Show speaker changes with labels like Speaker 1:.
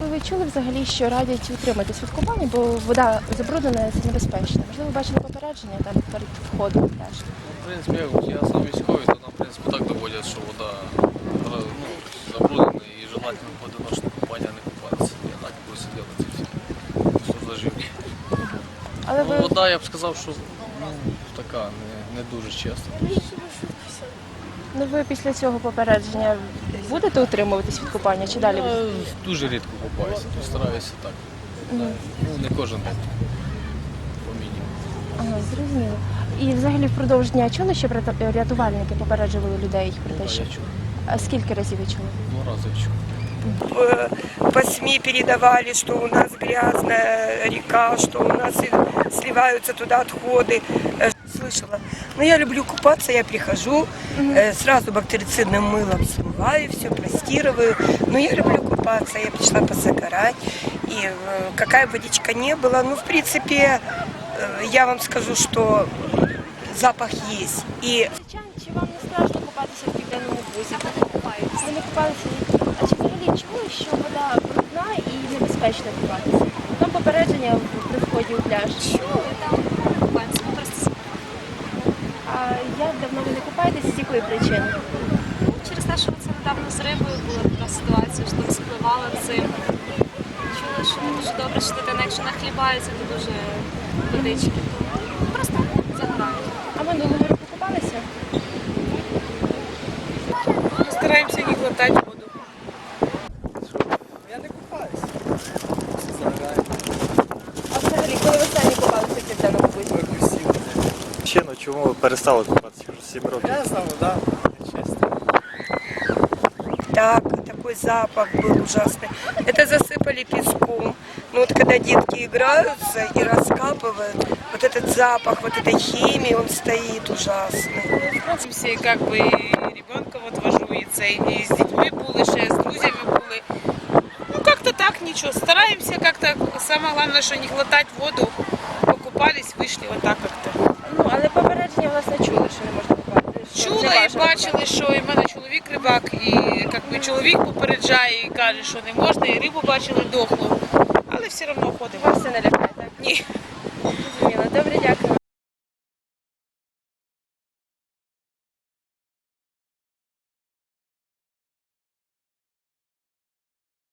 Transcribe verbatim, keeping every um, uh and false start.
Speaker 1: ви чули взагалі, що радять утриматись від купання, бо вода забруднена, це небезпечно? Можливо, бачили попередження там перед входом в пляж?
Speaker 2: В принципі, я сам військовий, то нам, в принципі, так доводять, що вода ну, забруднена і желательно в одиночне купання не купатися. Я так буду сидіти ці всі. Просто зажив.
Speaker 1: Але
Speaker 2: Ну,
Speaker 1: ви...
Speaker 2: вода, я б сказав, що ну, така, не, не дуже чесна.
Speaker 1: Ну, ви після цього попередження будете утримуватись від купання чи далі?
Speaker 2: Я
Speaker 1: ви-
Speaker 2: дуже рідко купаюся, то стараюся так. Ну, не кожен день. По мінімуму.
Speaker 1: Ага, зрозуміло. І взагалі впродовж дня чули, що ряту- рятувальники попереджували людей про
Speaker 2: Ну,
Speaker 1: те, що...
Speaker 2: я чув.
Speaker 1: А скільки разів ви чули?
Speaker 2: Два рази я чув.
Speaker 3: Э, По СМИ передавали, что у нас грязная река, что у нас и сливаются туда отходы. Э, Слышала. Но я люблю купаться, я прихожу, э, сразу бактерицидным мылом смываю все, простирываю. Но я люблю купаться, я пришла позагорать. И э, какая бы водичка не была, ну, в принципе, э, я вам скажу, что запах есть. И
Speaker 1: Чи вам не страшно купатися в південному бузі? Ви не купаєтеся? Ви не купалися? А чи взагалі чули, що вода брудна і небезпечно купатися? Там попередження при вході у пляж.
Speaker 4: Чули, там купаємося, ми просто
Speaker 1: А як давно ви не купаєтеся, з якої причини?
Speaker 4: ну, через те, що це недавно з рибою була така ситуація, що там спливала цим. Чули, що не дуже добре, що дитина, якщо нахлібається, то дуже водички. Тому просто загорають.
Speaker 1: А минулого року купалися?
Speaker 5: Стараемся не глотать воду.
Speaker 1: А взагалі, коли ви самі купалися в південному бузі?
Speaker 6: Причину, чому ви перестали купатися вже сім років?
Speaker 7: Грязна вода, чесно.
Speaker 3: так, такой запах был ужасный. Это засыпали песком. Ну вот когда детки играются и раскапывают, вот этот запах, вот этой химии, он стоит ужасный.
Speaker 5: Все, как бы, і ребенка вот вожу, і це, і з дітьми були, ще з друзями були. Ну, как-то так, ничего. Стараемся как-то, самое главное, что не глотать воду. Покупались, вышли вот так как-то.
Speaker 1: Ну, але попередження, власне, чули, що не можна купатися. що
Speaker 5: Чула
Speaker 1: не
Speaker 5: і
Speaker 1: бажано
Speaker 5: бачили, що і в мене чоловік рибак, і як би, чоловік попереджає і каже, що не можна, і рибу бачили дохлу. Але все одно ходимо.
Speaker 1: Вас це не лякає, так?
Speaker 5: Ні.
Speaker 1: Зрозуміло. Добре, дякую.